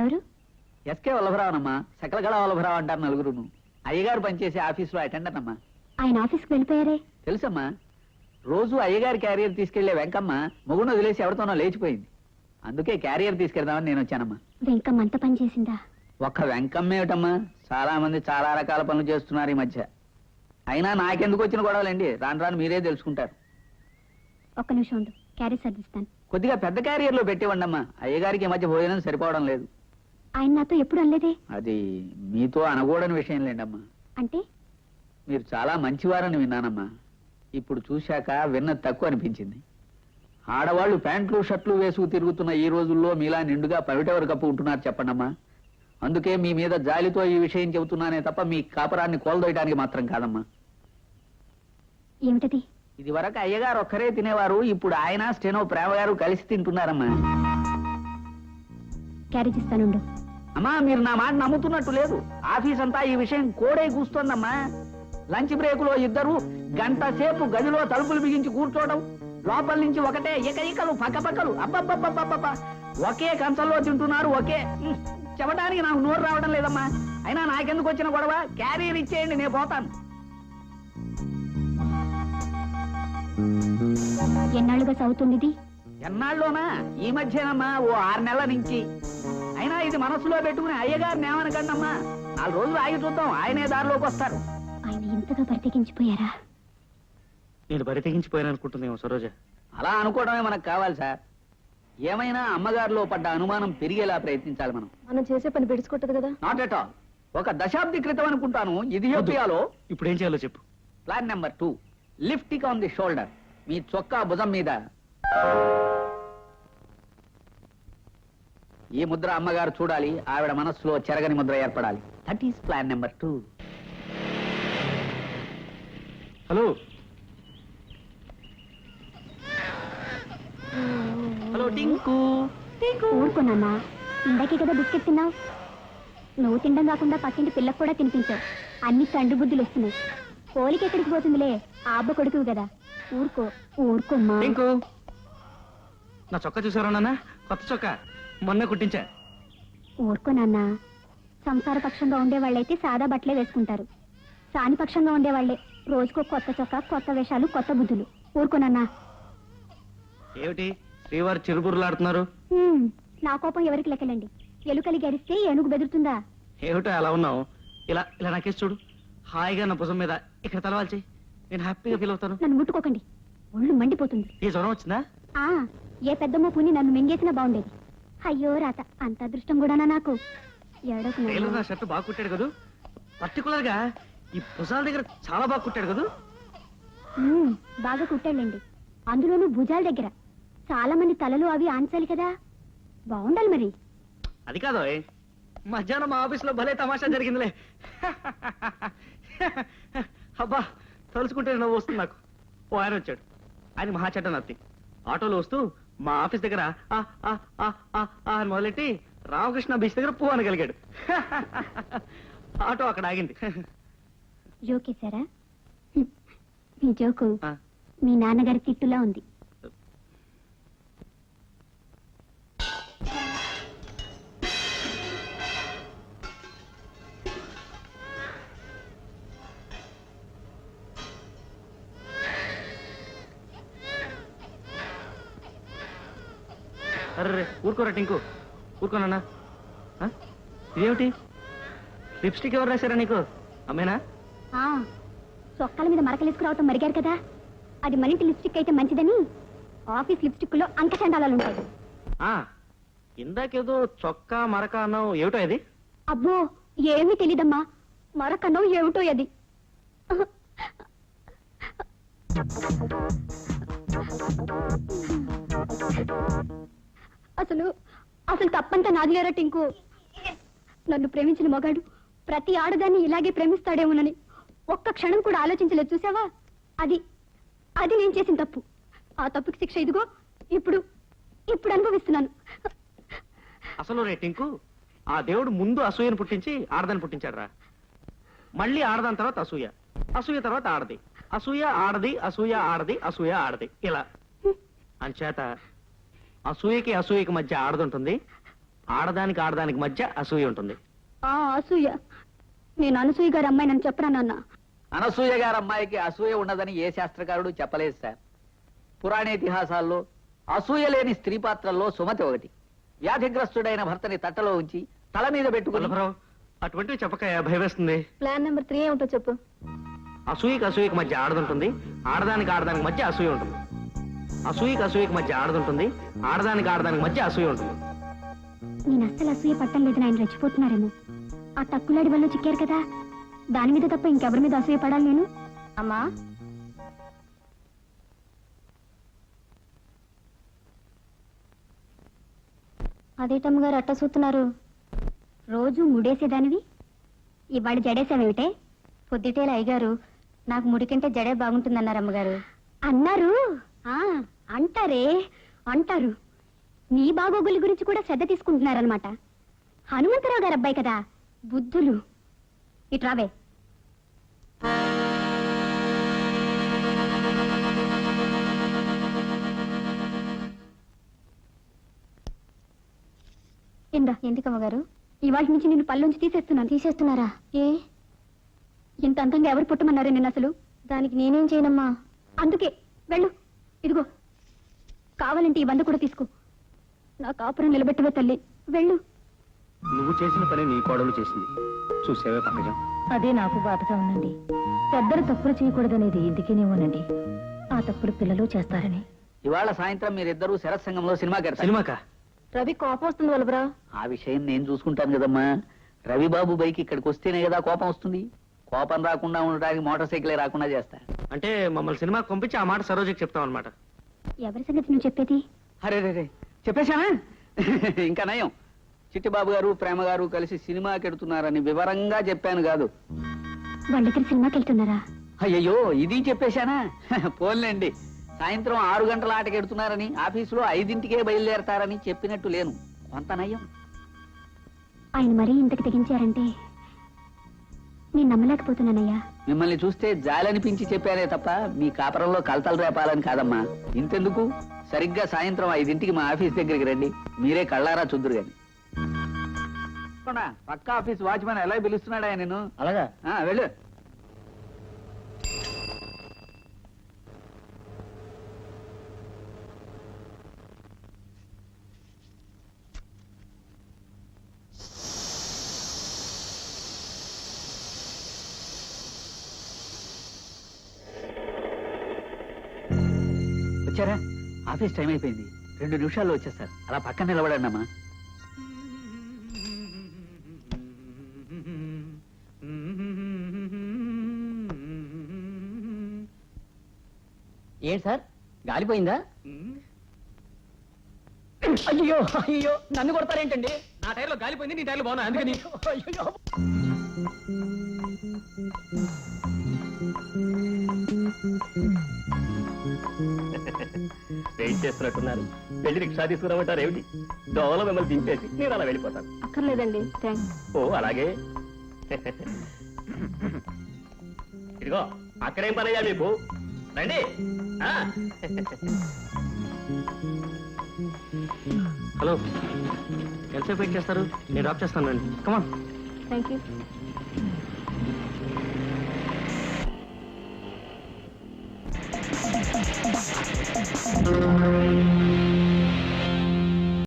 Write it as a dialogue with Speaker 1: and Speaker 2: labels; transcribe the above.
Speaker 1: ఎవరు?
Speaker 2: ఎస్కే వల్లభరావనమ్మా. సకలగళ వల్లభరావు అంటారు నలుగురును. అయ్యగారు పనిచేసే ఆఫీసులో అటెండర్ అమ్మా.
Speaker 1: ఆయన ఆఫీస్కి వెళ్ళిపోయారే?
Speaker 2: తెలుసమ్మా. రోజు అయ్యగారి క్యారియర్ తీసుకెళ్లే వెంకమ్మ మొగుడు వదిలేసి ఎవరితోనో లేచిపోయింది. అందుకే క్యారియర్ తీసుకెళ్దామని నేను వచ్చానమ్మా.
Speaker 1: వెంకమ్మ అంత పని చేసిందా?
Speaker 2: ఒక్క వెంకమ్మ ఏమిటమ్మా, చాలా మంది చాలా రకాల పనులు చేస్తున్నారు ఈ మధ్య. అయినా నాకెందుకు వచ్చిన గొడవలండి, రాను రాను మీరే తెలుసుకుంటారు.
Speaker 1: ఒక్క నిమిషం ఉండు, క్యారేజ్ సర్దిస్తాను.
Speaker 2: కొద్దిగా పెద్ద క్యారియర్లో పెట్టివ్వండమ్మా. అయ్యగారికి ఈ మధ్య భోజనం సరిపోవడం లేదు.
Speaker 1: ఆయన నాతో ఎప్పుడు అనలేదే.
Speaker 2: అది మీతో అనకూడని విషయం లేండమ్మా.
Speaker 1: అంటే?
Speaker 2: మీరు చాలా మంచివారని విన్నానమ్మా. ఇప్పుడు చూశాక విన్నది తక్కువ అనిపించింది. ఆడవాళ్లు ప్యాంట్లు షర్ట్లు వేసుకు తిరుగుతున్న ఈ రోజుల్లో మీలా నిండుగా పవిటెవరు కప్పు ఉంటున్నారు చెప్పండమ్మా. అందుకే మీ మీద జాలితో ఈ విషయం చెబుతున్నానే తప్ప మీ కాపురాన్ని కోల్దోయడానికి మాత్రం కాదమ్మా.
Speaker 1: ఏమిటది?
Speaker 2: ఇది వరకు అయ్యగారు ఒక్కరే తినేవారు, ఇప్పుడు ఆయన స్టెనో ప్రేమ గారు కలిసి తింటున్నారమ్మా.
Speaker 1: క్యారేజ్ ఇస్తానుండు.
Speaker 2: అమ్మా, మీరు నా మాట నమ్ముతున్నట్టు లేదు. ఆఫీస్ అంతా ఈ విషయం కోడే కూస్తోందమ్మా. లంచ్ బ్రేక్ లో ఇద్దరు గంట సేపు గదిలో తలుపులు బిగించి కూర్చోవడం, లోపల నుంచి ఒకటే ఏకైకలు పక్కపక్కలు. అబ్బబ్బబ్బబ్బబ్బ, ఒకే కంచంలో తింటున్నారు. ఒకే చెప్పడానికి నాకు నోరు రావడం లేదమ్మా. అయినా నాకెందుకు వచ్చిన గొడవ? క్యారియర్ ఇచ్చేయండి, నేను పోతాను.
Speaker 1: ఎన్నాళ్ళుగా సాగుతుంది ఇది?
Speaker 2: ఎన్నాళ్ళలోనా? ఈ మధ్యనమ్మా, ఓ 6 నెలల నుంచి. అయినా ఇది మనసులో పెట్టుకుని అయ్యగారిని ఏమనకండమ్మా. 4 రోజులు ఆగి చూద్దాం, ఆయనే దారిలోకి వస్తారు.
Speaker 1: ఆయన ఇంతగా బరితెగించిపోయారా?
Speaker 3: నేను బరితెగించిపోయాననుకుంటుందేమో సరోజ.
Speaker 2: అలా అనుకోవడమే మనకు కావాలి సార్. ఏమైనా అమ్మగారిలో పడ్డ అనుమానం పెరిగేలా ప్రయత్నించాలి మనం.
Speaker 1: మనం చేసే పని పెడుచుకుంటది కదా.
Speaker 2: Not at all. ఒక దశాబ్ది క్రితం అనుకుంటాను ఇథియోపియాలో.
Speaker 3: ఇప్పుడు ఏం చేయాలో చెప్పు.
Speaker 2: Plan number 2, lifting on the shoulder. మీ చొక్కా భుజం మీద ఈ ముద్ర అమ్మగారు చూడాలి. ఆవిడ మనస్సులో చెరగని ముద్ర ఏర్పడాలి. That is plan number 2.
Speaker 3: Hello hello Tinku.
Speaker 1: ఊరుకున్నానా? ఇందాకే కదా బిస్కెట్ తిన్నావు. నువ్వు తినడం కాకుండా పక్కింటి పిల్లకు కూడా తినిపించావు. అన్ని తండ్రి బుద్ధులు వస్తున్నాయి. కోలికి ఎక్కడికి పోతుందిలే, ఆ అబ్బ కొడుకు కదా. ఊరుకో ఊరుకోమ్మా.
Speaker 3: టింకు, నా చొక్కా చూసారా నాన్న? కొత్త చొక్కా మొన్న కుట్టించా.
Speaker 1: ఊరుకోనన్నా. సంసార పక్షంగా ఉండేవాళ్ళైతే సాదా బట్టలే వేసుకుంటారు. సాని పక్షంగా ఉండేవాళ్లే రోజుకో కొత్త చొక్కా, కొత్త వేషాలు, కొత్త బుద్ధులు. ఊరుకోనన్నా.
Speaker 3: ఏమిటి శ్రీవారు చిరుబుర్లాడుతున్నారు?
Speaker 1: నా కోపం ఎవరికి లెక్కలండి. ఎలుకలి గరిస్తే ఏనుగు బెదురుతుందా?
Speaker 3: ఏమిటో అలా ఉన్నావు? ఇలా ఇలా నాకేసి చూడు. హాయిగా నా భుజం మీద ఇక్కడ తలవాల్చి నేను హ్యాపీగా ఫీల్ అవుతాను.
Speaker 1: నన్ను ముట్టుకోకండి, ఒళ్ళు మండిపోతుంది.
Speaker 3: ఏ జ్వరం వచ్చిందా?
Speaker 1: ఏ పెద్దమ్మో పుని నన్ను మింగేసినా బాగుండేది. అయ్యో రాత, అంత అదృష్టం కూడానా నాకు?
Speaker 3: నా షర్ట్ బాగా కుట్టాడు కదూ. పర్టికులర్ గా ఈ భుజాల దగ్గర చాలా బాగా కుట్టాడు కదూ.
Speaker 1: బాగా కుట్టాడండి. అందులోనూ భుజాల దగ్గర. చాలా మంది తలలు అవి ఆన్చాలి కదా, బాగుండాలి మరి.
Speaker 3: అది కాదు, మధ్యాహ్నం మా ఆఫీస్ లో భలే తమాషా జరిగిందిలే. అబ్బా, తలుచుకుంటే నవ్వు వస్తుంది నాకు. ఓ ఆయన వచ్చాడు. ఆయన మహా చెడ్డ నత్తి. ఆటోలో వస్తూ మా ఆఫీస్ దగ్గర అని మొదలెట్టి రామకృష్ణ బీచ్ దగ్గర పూ అనగలిగాడు. ఆటో అక్కడ ఆగింది.
Speaker 1: జోకేశారా? మీ జోకు మీ నాన్నగారి తిట్టులా ఉంది.
Speaker 3: అర్రే ఊరుకోరా టింకు, ఊరుకోనన్నా. ఇదేమిటి? లిప్స్టిక్ ఎవరు రాశారా నీకు? అమ్మేనా?
Speaker 1: చొక్కాల మీద మరకలేసుకురావటం మరిగారు కదా, అది మరింటి లిప్స్టిక్ అయితే మంచిదని ఆఫీస్ లిప్స్టిక్ లో అంకచండాలాలు ఉంటాయి.
Speaker 3: ఇందాకేదో చొక్కా మరక అన్నావు, ఏమిటో అది?
Speaker 1: అబ్బో ఏమీ తెలీదమ్మా. మరకన్నావు ఏమిటో అది. అసలు అసలు తప్పంతా నాదిలేరా టింకు. నన్ను ప్రేమించిన మగాడు ప్రతి ఆడదాన్ని ఇలాగే ప్రేమిస్తాడేమోనని ఒక్క క్షణం కూడా ఆలోచించలేదు. చూసావా, అది అది నేను చేసిన తప్పు. ఆ తప్పుకి శిక్ష ఇదిగో ఇప్పుడు ఇప్పుడు అనుభవిస్తున్నాను.
Speaker 3: అసలు రే టింకు, ఆ దేవుడు ముందు అసూయను పుట్టించి ఆడదాన్ని పుట్టించాడు రా. మళ్ళీ ఆడదాని తర్వాత అసూయ, అసూయ తర్వాత ఆడది, అసూయ ఆడది, అసూయ ఆడది, అసూయ ఆడది, ఇలా. అంచేత అసూయకి అసూయకి మధ్య ఆడదుంటుంది, ఆడదానికి ఆడదానికి మధ్య అసూయ ఉంటుంది.
Speaker 1: ఆ అసూయ. నేను అనసూయ గారి అమ్మాయినని చెప్పరా నాన్న?
Speaker 2: అనసూయ గారి అమ్మాయికి అసూయ ఉండదని ఏ శాస్త్రకారుడు చెప్పలేదు సార్. పురాణేతిహాసాల్లో అసూయ లేని స్త్రీ పాత్రల్లో సుమతి ఒకటి. వ్యాధిగ్రస్తుడైన భర్తని తట్టలో ఉంచి తల మీద పెట్టుకుని
Speaker 3: వల్లభరావు, అటువంటివి చెప్పక భయం వేస్తుంది.
Speaker 1: ప్లాన్ నెంబర్ 3 ఏమిటో చెప్పు.
Speaker 3: అసూయకి మధ్య ఆడదుంటుంది, ఆడదానికి ఆడదానికి మధ్య అసూయ ఉంటుంది. అసూయకి మధ్య ఆడదుంటుంది, ఆడదానికి ఆడదానికి మధ్య అసూయ ఉంటుంది.
Speaker 1: నేను అస్సలు అసూయ పట్టం లేదని ఆయన రెచ్చిపోతున్నారేమో. ఆ తక్కులాడి వల్ల చిక్కారు కదా, దాని మీద తప్ప ఇంకెవరి మీద అసూయ పడాలి నేను? అమ్మా, అదేటమ్మగారు అట్ట చూస్తున్నారు? రోజు ముడేసేదానివి ఇవాళ జడేసావేమిటే? పొద్దుటేల అయ్యగారు నాకు ముడి కంటే జడే బాగుంటుందన్నారు అమ్మగారు. అన్నారు? అంటారే, అంటారు. నీ బాగోగుల గురించి కూడా శ్రద్ధ తీసుకుంటున్నారనమాట. హనుమంతరావు గారు అబ్బాయి కదా, బుద్ధులు. ఇట్రావే. ఇందా. ఎందుకమ్మగారు? ఇవాళ నుంచి నేను పళ్ళుంచి తీసేస్తున్నాను. తీసేస్తున్నారా? ఏ, ఇంత అంతంగా ఎవరు పుట్టమన్నారే నేను అసలు? దానికి నేనేం చేయనమ్మా. అందుకే వెళ్ళు. ఇదిగో, కావాలంటే ఈ 100 కూడా తీసుకో. నా కాపురం నిలబెట్టవే తల్లి, వెళ్ళు.
Speaker 3: నువ్వు చేసిన పని నీ కోడలు చేసింది. చూసేవే పంకజం.
Speaker 4: అదే నాకు బాధగా ఉందండి. పెద్దలు తప్పులు చేయకూడదనేది ఇందుకేనేమోనండి. ఆ తప్పులు పిల్లలు చేస్తారని.
Speaker 2: ఇవాళ సాయంత్రం మీరిద్దరూ శరత్సంగంలో సినిమాకి వెళ్తారు.
Speaker 3: సినిమాకా?
Speaker 4: రవి కోపం వస్తుంది వల్లభరా.
Speaker 2: ఆ విషయం నేను చూసుకుంటాను కదమ్మా. రవిబాబు బైక్ ఇక్కడికి వస్తేనే కదా కోపం వస్తుంది. కోపం రాకుండా ఉండడానికి మోటార్ సైకిలే రాకుండా చేస్తా.
Speaker 3: అంటే మమ్మల్ని సినిమాకి పంపించి ఆ మాట సరోజకి చెప్తాం అనమాట.
Speaker 1: ఎవరి సంగతి నువ్వు చెప్పేది?
Speaker 2: అరే రే చెప్పేశానా? ఇంకా నయం, చిట్టిబాబు గారు ప్రేమ గారు కలిసి సినిమాకి వెడుతున్నారని వివరంగా చెప్పాను కాదు.
Speaker 1: వాళ్ళిద్దరు సినిమాకి వెళ్తున్నారా?
Speaker 2: అయ్యయ్యో, ఇది చెప్పేశానా? పోన్లేండి. సాయంత్రం 6 గంటల ఆటకి ఎడుతున్నారని, ఆఫీసులో 5ంటికే బయలుదేరతారని చెప్పినట్టు లేను. కొంత నయం.
Speaker 1: ఆయన మరీ ఇంతకు తెగించారంటే నేను నమ్మలేకపోతున్నానయ్యా.
Speaker 2: మిమ్మల్ని చూస్తే జాలనిపించి చెప్పానే తప్ప మీ కాపురంలో కలతలు రేపాలని కాదమ్మా. ఇంతెందుకు, సరిగ్గా సాయంత్రం 5ంటికి మా ఆఫీస్ దగ్గరికి రండి. మీరే కళ్ళారా చూద్దురు గాని. పక్క ఆఫీస్ వాచ్మెన్ ఎలా పిలుస్తున్నాడా నేను?
Speaker 3: అలాగా?
Speaker 2: వెళ్ళు. వచ్చారా? ఆఫీస్ టైం అయిపోయింది. 2 నిమిషాల్లో వచ్చేస్తారు. అలా పక్కన నిలబడండి అమ్మా.
Speaker 4: ఏంటి సార్, గాలిపోయిందా? అయ్యో అయ్యో, నన్ను కొడతారేంటండి?
Speaker 3: నా టైర్లో గాలిపోయింది, నీ టైర్లో బాగున్నా, అందుకని.
Speaker 4: అయ్యో.
Speaker 3: వెయిట్ చేస్తున్నట్టున్నారు. వెళ్ళి రిక్షా తీసుకురామంటారు ఏమిటి? దోవలో మిమ్మల్ని దింపేసి నేను అలా వెళ్ళిపోతాను.
Speaker 1: అక్కర్లేదండి, థ్యాంక్స్.
Speaker 3: ఓ అలాగే. ఇదిగో, అక్కడేం పనయ్యా మీకు? రండి. హలో, ఎంతసేపు వెయిట్ చేస్తారు? నేను డ్రాప్ చేస్తాను రండి. కమాన్.
Speaker 1: Thank you.